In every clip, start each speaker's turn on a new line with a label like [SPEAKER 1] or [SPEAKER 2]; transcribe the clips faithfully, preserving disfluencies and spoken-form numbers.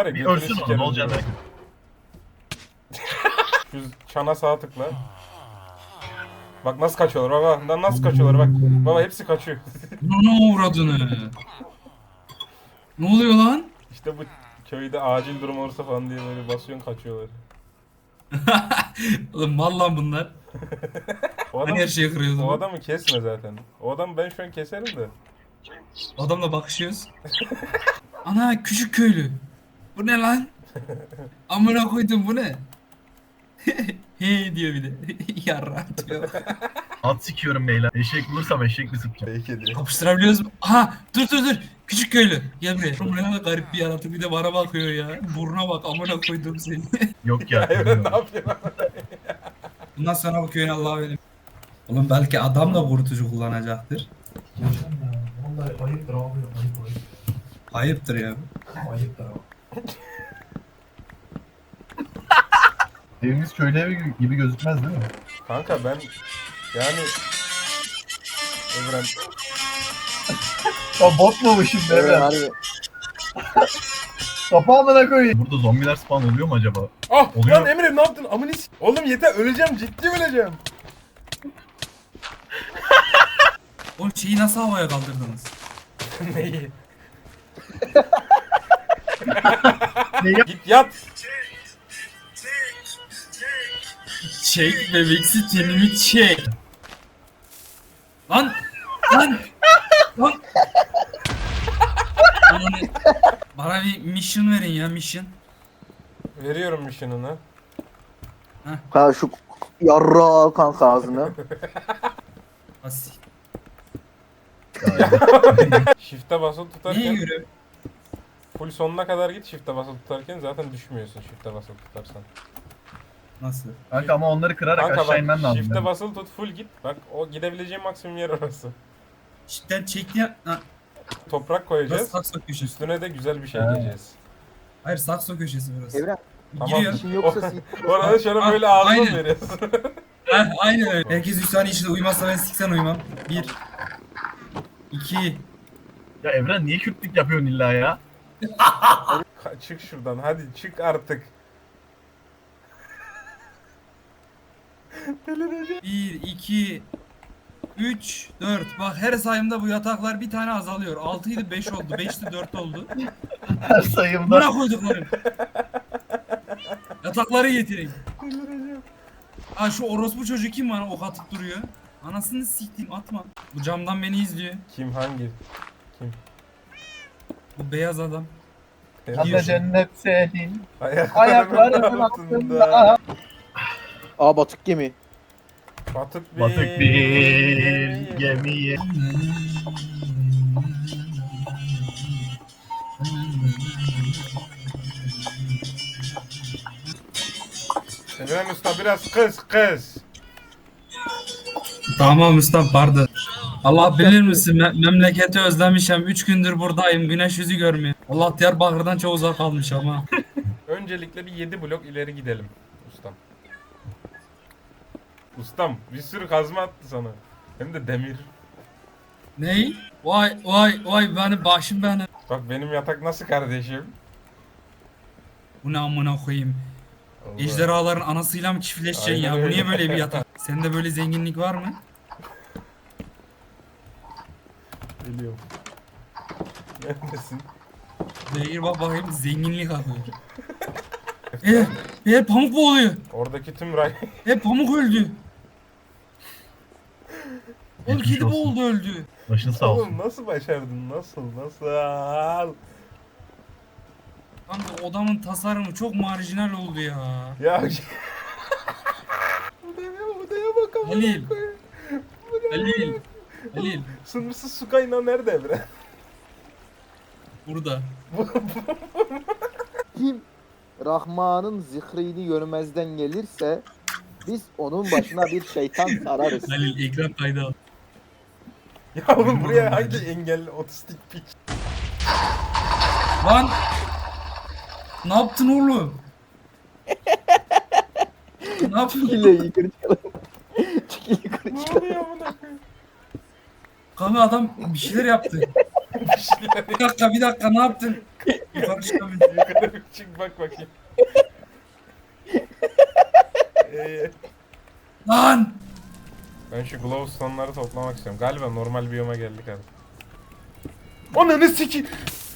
[SPEAKER 1] var ya
[SPEAKER 2] Bir
[SPEAKER 1] götünü
[SPEAKER 2] ölsün o,
[SPEAKER 1] sikerim
[SPEAKER 2] ne olacak
[SPEAKER 1] diyor.
[SPEAKER 2] belki.
[SPEAKER 1] Şu çana sağ tıkla. Bak nasıl kaçıyorlar baba. Lan nasıl kaçıyorlar bak. Baba hepsi kaçıyor.
[SPEAKER 3] Ne uğradığını? Ne oluyor lan?
[SPEAKER 1] İşte bu köyde acil durum olursa falan diye böyle basıyorsun kaçıyorlar.
[SPEAKER 3] Oğlum mal lan bunlar.
[SPEAKER 1] O adam,
[SPEAKER 3] Hani her şeyi kırıyordu
[SPEAKER 1] o
[SPEAKER 3] bu?
[SPEAKER 1] adamı kesme zaten. O adamı ben şu an keserim de.
[SPEAKER 3] Adamla bakışıyoruz. Ana küçük köylü. Bu ne lan? Amına koydum bu ne? He diyor bir de. Yarra diyor.
[SPEAKER 2] At sikiyorum beyler. Eşek bulursam eşek mi sıkacağım?
[SPEAKER 1] Peki diyor.
[SPEAKER 3] Kapıştırabiliyoruz mu? Aha dur dur dur. Küçük köylü. Gel buraya. Bu ne kadar garip bir yaratık. Bir de bana bakıyor ya. Burnuna bak amına koydum seni.
[SPEAKER 2] Yok ya.
[SPEAKER 1] Evren ne yapıyorsun?
[SPEAKER 3] Bundan sonra bu köyün Allah'a verin. Oğlum belki adam da kurutucu kullanacaktır.
[SPEAKER 4] Vallahi ayıptır abi. Ayıp ayıp.
[SPEAKER 3] Ayıptır ya.
[SPEAKER 4] Ayıptır abi.
[SPEAKER 2] Evimiz köylü evi gibi gözükmez değil mi?
[SPEAKER 1] Kanka ben yani Evren
[SPEAKER 2] Ya bot mu bu şimdi
[SPEAKER 5] Evet
[SPEAKER 2] Evren?
[SPEAKER 5] harbi.
[SPEAKER 2] Kapağımına koyayım. Burada zombiler spawn oluyor mu acaba?
[SPEAKER 1] Ah
[SPEAKER 2] Oluyor.
[SPEAKER 1] lan Emre ne yaptın? Amına s- Oğlum yeter öleceğim ciddi öleceğim.
[SPEAKER 3] Oğlum şeyi nasıl havaya kaldırdınız?
[SPEAKER 1] Neyi?
[SPEAKER 2] Neyi?
[SPEAKER 1] Git yat.
[SPEAKER 3] Çek bebeksi tenimi çek. Lan! Lan! Lan! Ananı- Bana bir mission verin ya mission.
[SPEAKER 1] Veriyorum mission'ını.
[SPEAKER 5] Ha şu yarra kanka ağzını.
[SPEAKER 3] Asi.
[SPEAKER 1] Shift'e basılı
[SPEAKER 3] Neye
[SPEAKER 1] tutarken
[SPEAKER 3] göre?
[SPEAKER 1] full sonuna kadar git shift'e basılı tutarken zaten düşmüyorsun shift'e basılı tutarsan.
[SPEAKER 3] Nasıl?
[SPEAKER 2] Kanka ama onları kırarak
[SPEAKER 1] Kanka
[SPEAKER 2] aşağı inmen
[SPEAKER 1] bak
[SPEAKER 2] lazım.
[SPEAKER 1] shift'e
[SPEAKER 2] benim.
[SPEAKER 1] basılı tut full git. Bak o gidebileceğin maksimum yer orası.
[SPEAKER 3] Cidden çekti ya. Ha,
[SPEAKER 1] Toprak
[SPEAKER 3] burası
[SPEAKER 1] koyacağız.
[SPEAKER 3] sakso köşesi.
[SPEAKER 1] Üstüne de güzel bir şey
[SPEAKER 2] Ha.
[SPEAKER 1] giyeceğiz.
[SPEAKER 3] Hayır sakso köşesi burası.
[SPEAKER 5] Evren
[SPEAKER 1] Tamam.
[SPEAKER 3] Giriyor.
[SPEAKER 5] işin yoksa sit.
[SPEAKER 1] Orada şöyle
[SPEAKER 3] Ah,
[SPEAKER 1] böyle ağzına
[SPEAKER 3] aynen.
[SPEAKER 1] veriyorsun.
[SPEAKER 3] Heh, aynen öyle. Herkes üç saniye içinde uyumazsa ben siksen uyumam. Bir. İki.
[SPEAKER 2] Ya Evren niye Kürtlük yapıyorsun illa ya?
[SPEAKER 1] Ka- çık şuradan hadi çık artık.
[SPEAKER 3] Bir, iki, üç, dört. Bak her sayımda bu yataklar bir tane azalıyor. Altıydı beş oldu. Beşti dört oldu.
[SPEAKER 2] Her sayımda.
[SPEAKER 3] Buna koyduklarım. Yatakları getirin. Ha şu orospu çocuğu kim bana ok atıp duruyor? Anasını siktim atma. Bu camdan beni izliyor.
[SPEAKER 1] Kim hangi?
[SPEAKER 3] Bu beyaz adam.
[SPEAKER 2] Kanka cennet senin.
[SPEAKER 1] Ayaklarımın altında.
[SPEAKER 5] Aa batık gemi.
[SPEAKER 1] Batık bir,
[SPEAKER 2] Batık bir gemiye.
[SPEAKER 1] Evren Usta biraz kız kız.
[SPEAKER 3] Tamam usta pardon. Allah bilir misin me- memleketi özlemişim. Üç gündür buradayım. Güneş yüzü görmüyor. Allah Diyarbakır'dan çok uzak kalmış ama.
[SPEAKER 1] Öncelikle bir yedi blok ileri gidelim ustam. Ustam bir sürü kazma attı sana. Hem de demir.
[SPEAKER 3] Ney? Vay vay vay benim başım benim.
[SPEAKER 1] Bak benim yatak nasıl kardeşim?
[SPEAKER 3] Bu ne amına koyayım.
[SPEAKER 1] Allah.
[SPEAKER 3] Ejderhaların anasıyla mı çiftleşeceksin ya?
[SPEAKER 1] Aynen
[SPEAKER 3] Bu niye
[SPEAKER 1] öyle.
[SPEAKER 3] böyle bir yatak? Sende böyle zenginlik var mı?
[SPEAKER 1] Geliyorum. Neredesin?
[SPEAKER 3] Değil bak bakayım zenginlik akıyor. Eğer, eğer pamuk boğuluyor.
[SPEAKER 1] Oradaki tüm ray...
[SPEAKER 3] Eğer pamuk öldü. Oğlum
[SPEAKER 2] Geçmiş
[SPEAKER 3] kedi
[SPEAKER 2] olsun.
[SPEAKER 3] boğuldu öldü.
[SPEAKER 2] Başın sağ olsun.
[SPEAKER 1] Oğlum nasıl başardın? Nasıl? Nasıl?
[SPEAKER 3] Kanka odamın tasarımı çok marjinal oldu ya.
[SPEAKER 1] Ya... odaya, odaya bakalım.
[SPEAKER 3] Halil. Halil. Halil.
[SPEAKER 1] Sınırsız su kaynağı nerede Evren?
[SPEAKER 3] Burada.
[SPEAKER 5] Kim Rahman'ın zikrini görmezden gelirse biz onun başına bir şeytan sararız.
[SPEAKER 3] Halil ekran kaydı al.
[SPEAKER 1] Ya oğlum buraya hangi engelli otistik piç?
[SPEAKER 3] Lan. Ne yaptın oğlum? Ne yapıyorsun?
[SPEAKER 5] Çekil yukarı çıkalım. Çekil yukarı
[SPEAKER 1] Ne
[SPEAKER 5] çıkalım.
[SPEAKER 1] oluyor buna?
[SPEAKER 3] Kanka adam bir şeyler yaptı.
[SPEAKER 1] Bir şeyler
[SPEAKER 3] Bir dakika bir dakika ne yaptın? Yukarı çıkamıyorum.
[SPEAKER 1] Yukarı bir çık bak bakayım. Ee,
[SPEAKER 3] Lan!
[SPEAKER 1] ben şu glowstone'ları toplamak istiyorum. Galiba normal biyoma geldik hadi. Ananı siki.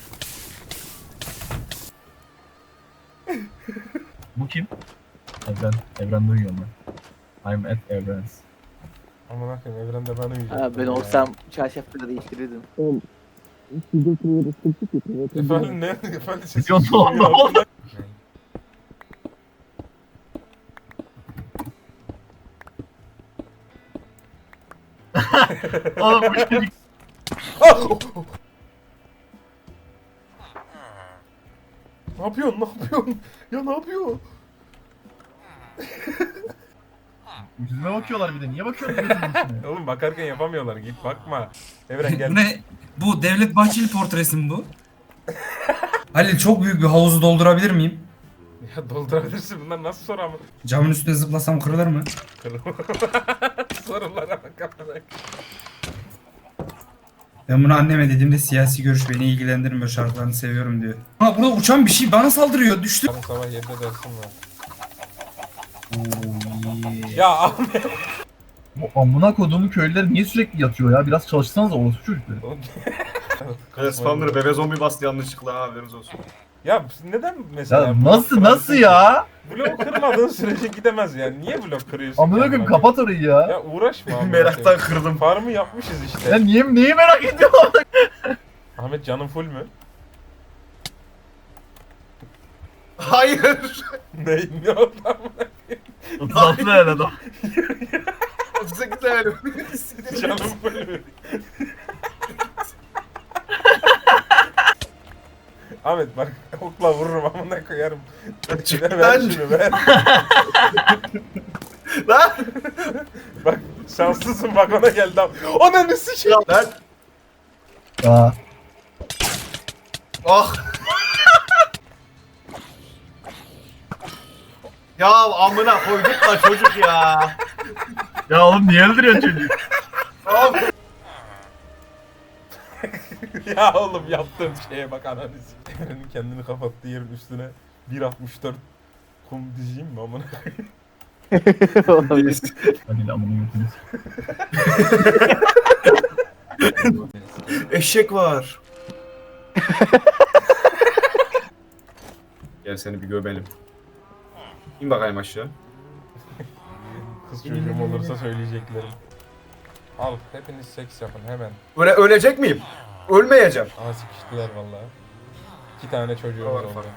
[SPEAKER 2] Bu kim? Evren. Evren duyuyorum ben. I'm at Evren's.
[SPEAKER 1] Aman akım evrende ben uyuyacağım.
[SPEAKER 5] Ha, ben olsam çarşafları değiştirirdim.
[SPEAKER 1] Efendim ne? Efendim ses.
[SPEAKER 2] Milyon dolar ne oldu? Oğlum bu çocuk.
[SPEAKER 1] Ah! Ne yapıyorsun? Ne yapıyorsun? Ya ne yapıyor?
[SPEAKER 2] Yüzüme bakıyorlar bir de. Niye bakıyorsun gözümün içine?
[SPEAKER 1] Oğlum bakarken yapamıyorlar. Git bakma. Evren gel.
[SPEAKER 3] Bu ne? Bu Devlet Bahçeli portresi mi bu? Halil çok büyük bir havuzu doldurabilir miyim?
[SPEAKER 1] Ya doldurabilirsin. Bunlar nasıl soru ama?
[SPEAKER 3] Camın üstüne zıplasam kırılır mı?
[SPEAKER 1] Sorulara bak.
[SPEAKER 3] Ben bunu anneme dediğimde siyasi görüş beni ilgilendirmiyor, şarkılarını seviyorum diyor. Ha burada uçan bir şey bana saldırıyor, düştü.
[SPEAKER 1] Yarın sabah yedide dersim var.
[SPEAKER 3] Oo, yeah.
[SPEAKER 1] Ya Ahmet.
[SPEAKER 2] Bu amına koduğum köylüler niye sürekli yatıyor ya? Biraz çalışsanız orospu çocukları.
[SPEAKER 6] Evet, spamları bebe zombi bastı yanlışlıkla ha, haberiniz olsun.
[SPEAKER 1] Ya neden mesela?
[SPEAKER 2] Ya
[SPEAKER 1] blok
[SPEAKER 2] nasıl
[SPEAKER 1] kırarsın
[SPEAKER 2] nasıl
[SPEAKER 1] ki?
[SPEAKER 2] ya?
[SPEAKER 1] Blok kırmadığın sürece gidemez yani. Niye blok kırıyorsun?
[SPEAKER 2] Amına
[SPEAKER 1] kendine?
[SPEAKER 2] koyayım kapat orayı ya.
[SPEAKER 1] Ya uğraşma amına
[SPEAKER 6] Meraktan
[SPEAKER 1] koyayım.
[SPEAKER 6] kırdım.
[SPEAKER 1] Farmı yapmışız işte.
[SPEAKER 2] Ya niye neyi merak ediyorsun?
[SPEAKER 1] Ahmet canın full mü?
[SPEAKER 6] Hayır.
[SPEAKER 1] ne? Ne oldu amına?
[SPEAKER 2] Tatlı el adam.
[SPEAKER 6] otuz sekiz levelim.
[SPEAKER 1] Canın full mü? Ahmet bak okla vururum amına koyarım.
[SPEAKER 6] Çık
[SPEAKER 1] ver
[SPEAKER 6] lan.
[SPEAKER 1] şunu ver.
[SPEAKER 6] Lan.
[SPEAKER 1] Bak şanslısın bak ona geldi am. Ananı sikeyim.
[SPEAKER 6] Lan.
[SPEAKER 2] Aa.
[SPEAKER 6] Ah. Ya amına koyduk lan çocuk ya.
[SPEAKER 2] Ya oğlum niye öldürüyorsun çocuğu?
[SPEAKER 6] Abi.
[SPEAKER 1] Ya oğlum yaptığım şeye bak ananı sikeyim. Evrenin kendini kapattığı yerin üstüne bir altmış dört kum dizeyim mi amına koyayım?
[SPEAKER 2] Hadi amına götürüyorsun.
[SPEAKER 6] Eşek var. Gel seni bir göbelim. İn bakayım aşağı.
[SPEAKER 1] Kız çocuğum olursa söyleyeceklerim. Al hepiniz seks yapın hemen.
[SPEAKER 6] Öyle ölecek miyim? Ölmeyeceğim.
[SPEAKER 1] Aha sıkıştılar vallahi. İki tane çocuğumuz
[SPEAKER 6] Var
[SPEAKER 1] oldu.
[SPEAKER 6] farklı.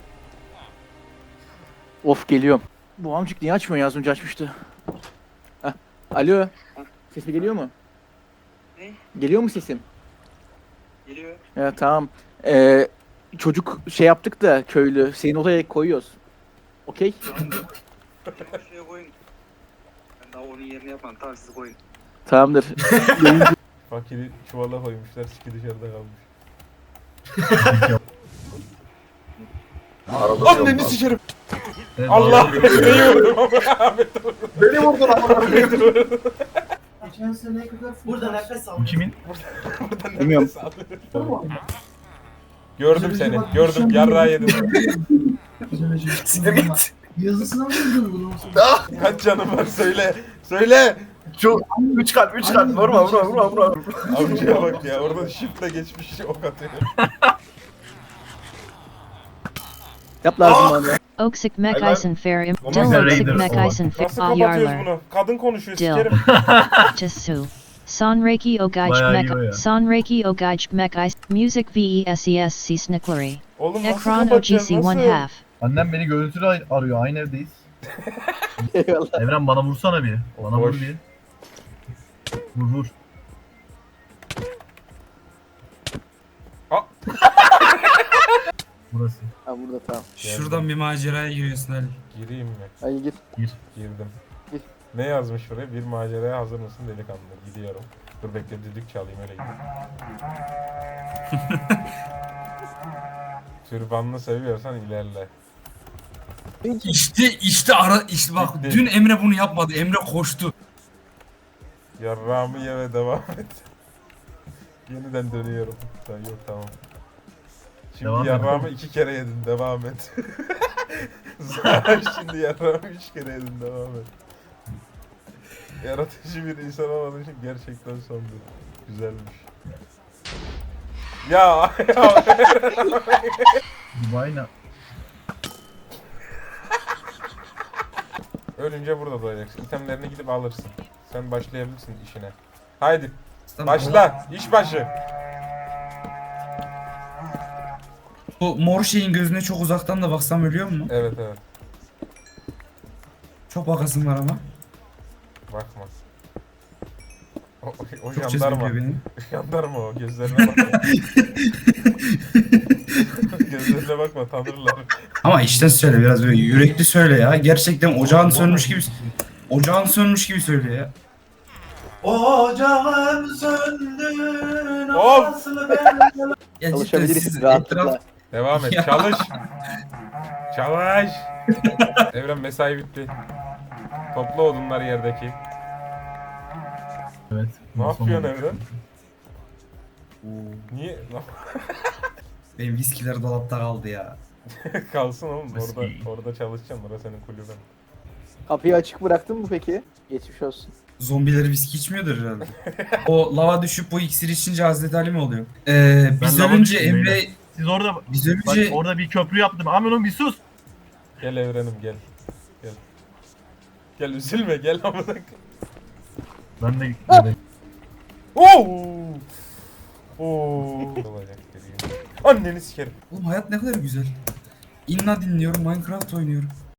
[SPEAKER 5] Of geliyorum. Bu amcık niye açmıyor ya? Az önce açmıştı. Heh. Alo. Sesim geliyor mu?
[SPEAKER 7] Ne?
[SPEAKER 5] Geliyor mu sesim?
[SPEAKER 7] Geliyor.
[SPEAKER 5] Ya tamam. Ee, çocuk şey yaptık da köylü. Senin odaya koyuyoruz. Okey?
[SPEAKER 7] Şuraya koyun. Ben daha onun yerini yapmadım. Tamam siz koyun.
[SPEAKER 5] Tamamdır.
[SPEAKER 1] Fakiri çuvala koymuşlar, siki dışarıda kalmış.
[SPEAKER 6] Arada
[SPEAKER 1] Anneni sikerim.
[SPEAKER 2] Evet,
[SPEAKER 1] Allah neyi vurdum ama Ahmet vurdu.
[SPEAKER 6] Beni vurdun amına koyayım.
[SPEAKER 4] Geçen sene kadar
[SPEAKER 7] Burada nefes al.
[SPEAKER 2] Bu kimin?
[SPEAKER 1] Buradan
[SPEAKER 5] Bilmiyorum.
[SPEAKER 1] nefes alıyor. Gördüm seni, gördüm yarrağı yedim.
[SPEAKER 6] Sinir git.
[SPEAKER 4] yazısına mı yazıyor bunu?
[SPEAKER 6] Ah.
[SPEAKER 1] Kaç canım var söyle, söyle.
[SPEAKER 6] Çok. Üç kalp, üç kalp. Vurma, vurma, vurma, vurma.
[SPEAKER 1] Avcıya bak ya, orada shift'le geçmiş ok atıyor.
[SPEAKER 5] Yap lazım bana.
[SPEAKER 8] Oksik
[SPEAKER 6] Hayvan.
[SPEAKER 8] Mekisen Ferim,
[SPEAKER 6] Olmaz
[SPEAKER 8] Dil
[SPEAKER 2] ya,
[SPEAKER 8] Oksik
[SPEAKER 2] Raiders
[SPEAKER 8] Mekisen
[SPEAKER 1] Nasıl kapatıyoruz
[SPEAKER 8] Ayarlar,
[SPEAKER 1] bunu? Kadın konuşuyor,
[SPEAKER 8] Dil.
[SPEAKER 1] sikerim.
[SPEAKER 8] Chasu. Sonraki Ogaj
[SPEAKER 2] Bayağı iyi o ya.
[SPEAKER 8] Mek, Sonraki Ogaj Mekis, Music Veses Snicklery.
[SPEAKER 1] Oğlum nasıl
[SPEAKER 8] Ekran
[SPEAKER 1] kapatacağız,
[SPEAKER 8] O G C one
[SPEAKER 1] nasıl?
[SPEAKER 8] half.
[SPEAKER 2] Annem beni görüntülü ar- arıyor. Aynı evdeyiz.
[SPEAKER 5] Eyvallah.
[SPEAKER 2] Evren bana vursana bir. Bana vur
[SPEAKER 1] Boş.
[SPEAKER 2] bir. Vur vur.
[SPEAKER 1] Aa.
[SPEAKER 2] Burası.
[SPEAKER 5] Ha burada tamam.
[SPEAKER 3] Şuradan bir maceraya giriyorsun Halil.
[SPEAKER 1] Gireyim mi?
[SPEAKER 5] Hadi git.
[SPEAKER 1] Girdim.
[SPEAKER 5] Gir.
[SPEAKER 1] Ne yazmış buraya? Bir maceraya hazır mısın delikanlı? Gidiyorum. Dur bekle düdük çalayım öyle gideyim. Türbanını seviyorsan ilerle.
[SPEAKER 3] İşte işte ara işte bak
[SPEAKER 1] Bitti.
[SPEAKER 3] dün Emre bunu yapmadı. Emre koştu.
[SPEAKER 1] Yarrağımı ye ve devam et. Yeniden dönüyorum. Sen yok tamam. Şimdi
[SPEAKER 2] Devam
[SPEAKER 1] yarrağımı iki kere yedin, devam et. Zaten şimdi yarrağımı üç kere yedin, devam et. Yaratıcı bir insan olmadığın için gerçekten sondu. Güzelmiş. Ya ya.
[SPEAKER 2] Dubai'yle
[SPEAKER 1] Ölünce burada doğacaksın. İtemlerini gidip alırsın. Sen başlayabilirsin işine. Haydi
[SPEAKER 3] Tamam,
[SPEAKER 1] başla. İş başı.
[SPEAKER 3] Bu mor şeyin gözüne çok uzaktan da baksam ölüyor mu?
[SPEAKER 1] Evet evet.
[SPEAKER 3] Çok bakasım var ama.
[SPEAKER 1] Bakma. O, o, o
[SPEAKER 3] Çok
[SPEAKER 1] jandarma.
[SPEAKER 3] cezbediyor beni.
[SPEAKER 1] Jandarma o. Gözlerine bakma. Gözlerine bakma, tanırlar.
[SPEAKER 3] Ama içten söyle, biraz böyle yürekli söyle ya. Gerçekten ocağın sönmüş gibi ocağın sönmüş gibi söyle ya.
[SPEAKER 4] Ocağım söndü.
[SPEAKER 1] Of!
[SPEAKER 4] Nasıl ben?
[SPEAKER 3] Ya cidden
[SPEAKER 5] Çalışabiliriz
[SPEAKER 3] siz
[SPEAKER 5] rahatlıkla.
[SPEAKER 3] etraf...
[SPEAKER 1] Devam et.
[SPEAKER 3] Ya.
[SPEAKER 1] Çalış. Çalış. Evren mesai bitti. Topla odunları yerdeki.
[SPEAKER 2] evet.
[SPEAKER 1] Ne yapıyorsun
[SPEAKER 2] Son-
[SPEAKER 1] Evren? Niye?
[SPEAKER 3] Benim viskiler dolapta kaldı ya.
[SPEAKER 1] Kalsın oğlum. Orada,
[SPEAKER 2] Whiskey.
[SPEAKER 1] orada çalışacaksın. Orası senin kulübün.
[SPEAKER 5] Kapıyı açık bıraktın mı peki? Geçmiş olsun.
[SPEAKER 3] Zombiler viski içmiyordur herhalde. O lava düşüp bu iksir içince Hazreti Ali mi oluyor? Ee, biz
[SPEAKER 2] Ben lava
[SPEAKER 3] ölünce
[SPEAKER 2] düştüm
[SPEAKER 3] Emre...
[SPEAKER 2] beyler. Siz orada
[SPEAKER 3] Biz
[SPEAKER 2] bak
[SPEAKER 3] ölünce...
[SPEAKER 2] orada bir köprü yaptım. Aminum bir sus.
[SPEAKER 1] Gel Evrenim gel. Gel. Gel üzülme gel amına.
[SPEAKER 2] Ben de
[SPEAKER 1] Oo! Oo! Olacak dediğim. Anneni sikerim.
[SPEAKER 3] Oğlum hayat ne kadar güzel. İnna dinliyorum, Minecraft oynuyorum.